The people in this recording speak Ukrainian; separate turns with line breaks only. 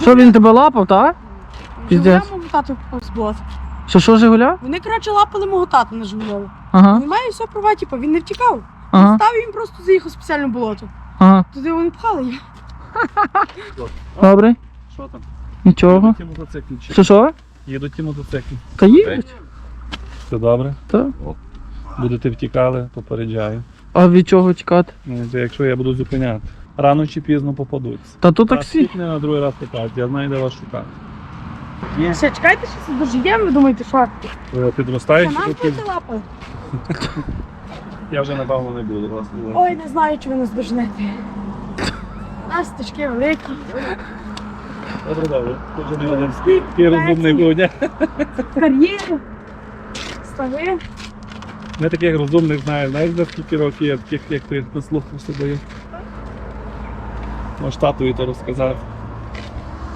Що він тебе лапав, так?
Жигуля
Піздець.
мого тату збуло.
Що, Жигуля?
Вони, коротше, лапали мого тата на Жигульові.
Ага,
Немає все права, типу, він не втікав.
ага,
Став і він просто заїхав в спеціальне болото.
ага.
Туди вони пхали його.
Добре,
Що там?
нічого.
Їдуть ті мотоцикли.
Що?
Їдуть ті мотоцикли.
Та їдуть.
Все добре?
Так.
Будете втікали, попереджаю.
А від чого тікати?
Ну, це якщо я буду зупиняти. Рано чи пізно попадуться.
Та то
Раз
таксі.
втікне, на другий раз питати. Я знаю, де вас шукати.
Все, чекайте, що це дожиємо, ви думаєте, що?
Ви
Це
підростаєте,
нам
поки
будете лапали?
я вже напевно не буду вас.
Ой, не знаю, чи ви нас доженете. Нас стежки великі.
Добре, добре. Тут вже не один такий розумний грудня.
Кар'єри. Стави.
Не таких розумних знаю. Знаєш, за скільки років я таких, як ти, на слуху собою. Може, татові то розказав.